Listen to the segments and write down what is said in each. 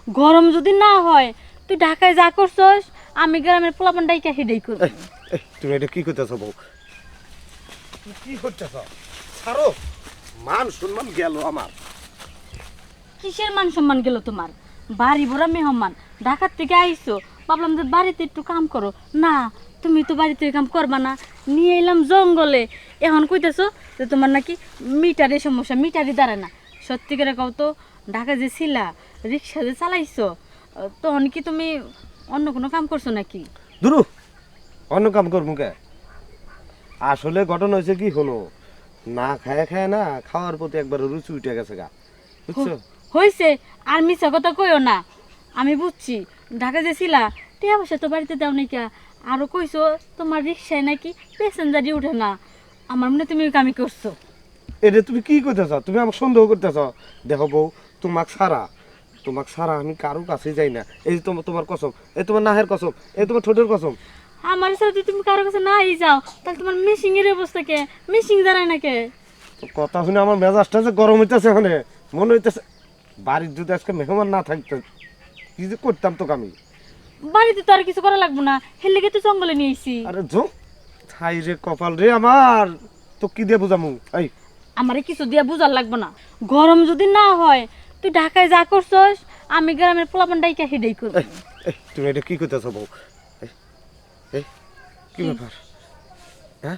গরম যদি না হয় তুই ঢাকায় যা করছস আমি গ্রামের পোলাপান ডাইকা হেডেই করব। তুমি এটা কি করতেছো বউ? তুমি কি করতেছো? ছাড়ো, মান সম্মান গেল আমার। কিসের মান সম্মান গেল তোমার? বাড়ি ভরা মেহমান, ঢাকার থেকে আইছো, ভাবলাম যে বাড়িতে একটু কাম করো। না, তুমি তো বাড়িতে কাম করবা না, নিয়ে এলাম জঙ্গলে। এখন কইতেছো যে তোমার নাকি মিটারের সমস্যা, মিটারই দাঁড়ায় না। সত্যি করে কও তো, ঢাকা যে ছিলা, রিক্সা যে চালাইছো, তখন কি তুমি অন্য কোনো কাম করছো নাকি? দুরু, অন্য কাম করবো কে? আসলে ঘটনা হয়েছে কি হলো, না খায় খায় না খাওয়ার প্রতি একবার রুচি উঠে গেছে গা, বুঝছো? হয়েছে, আর মিছা কথা কইও না। আমি বুঝছি ঢাকা যে ছিলা, টিয়া পয়সা তো বাড়িতে দাও নাকি, আরো কইছো তোমার রিক্সায় নাকি প্যাসেঞ্জারই উঠে না। আমার মনে হয় তুমি ওই কামই করছো। এটা তুমি কি করতেছ? তুমি আমাকে সন্দেহ করতেছ? দেখো বউ, তোমাক সারা আমি কারো কাছে যাই না। এই যে তোমার কসম, এই তোমার নাহের কসম, এই তোমার ঠোঁটের কসম। আমার সাথে তুমি কারো কাছে নাই যাও, তাহলে তোমার মিশিং এর অবস্থা কে? মিশিং দাঁড়ায় না কে? তো কথা শুনে আমার মেজাজটা যে গরম হইতেছে, মানে মনে হইতেছে বাড়ির যদি আজকে মেহমান না থাকতো কি যে করতাম তোকে আমি। বাড়িতে তো আর কিছু করা লাগবো না, হেলে তো জঙ্গলে নিয়েছি। আরে জো, ছাই রে কপাল রে আমার, তো কি দিয়ে বুঝামু? এই আমারে কিছু দিয়া বুঝার লাগবো না। গরম যদি না হয় তুই ঢাকায় যা করছস আমি গ্রামের পোলাপান ডাইকা হেডেই করব। এই, তুমি এটা কি করতেছ বউ? এই, এই কি ব্যাপার? হ্যাঁ,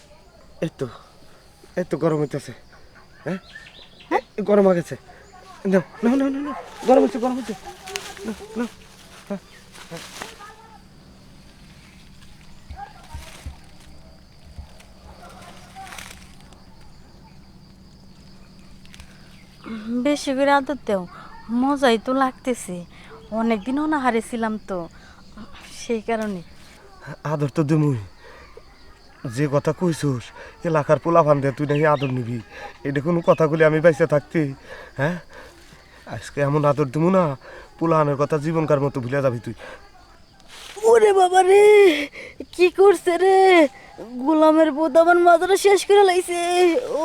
এই তো গরম হইতেছে। হ্যাঁ, গরম হয়ে গেছে। নাও নাও নাও নাও নাও, গরম হচ্ছে গরম হচ্ছে। নাও, নাও। হ্যাঁ, হ্যাঁ। বেশি করে আদর দেও, মজাই তো লাগতেছে। অনেকদিনও না হারিয়েছিলাম তো, সেই কারণে। আদর তো দেমুই, যে কথা কইছস এলাকার পোলা ফান তুই নাকি আদর নিবি, এটা কোনো কথাগুলি আমি বাইসে থাকতে? হ্যাঁ, আজকে এমন আদর দেবো না, পোলাহানের কথা জীবনকার মতো ভুলে যাবি তুই। ওরে বাবা রে, কি করছে রে? গোলামের বোধ আমার মাথাটা শেষ করে লাইছে। ও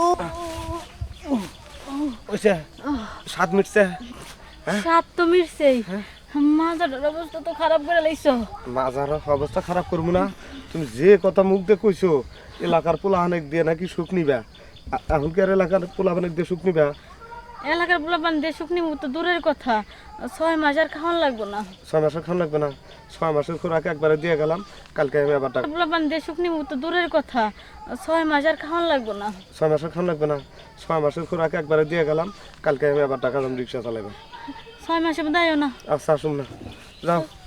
ওইসে 7 মিটছে। সাত তো মিরছেই, মাথাটার অবস্থা তো খারাপ করে লাইছো। মাজার অবস্থা খারাপ করবো না? তুমি যে কথা মুখ দিয়ে কইছো এলাকার পোলাহানেক দিয়ে নাকি সুখ নিবা, এখন কি আর এলাকার পোলাহানেক দিয়ে সুখ নিবা? এলাকার পোলাপান দিয়ে শুকনি তো দূরের কথা, 6 মাস আর খাওয়ান লাগবো না। 6 মাসের খান লাগবে না, 6 মাসের খোরাক একবারে দিয়ে গেলাম, কালকে আমি আবার টাকা। পোলাপান দিয়ে শুকনি তো দূরের কথা, 6 মাস আর খাওয়ান লাগবো না। 6 মাসের খান লাগবে না, 6 মাসের খোরাক একবারে দিয়ে গেলাম, কালকে আমি আবার টাকা দাম রিক্সা চালাইব। 6 মাসে দায়ও না। আচ্ছা আসুন না, যাও।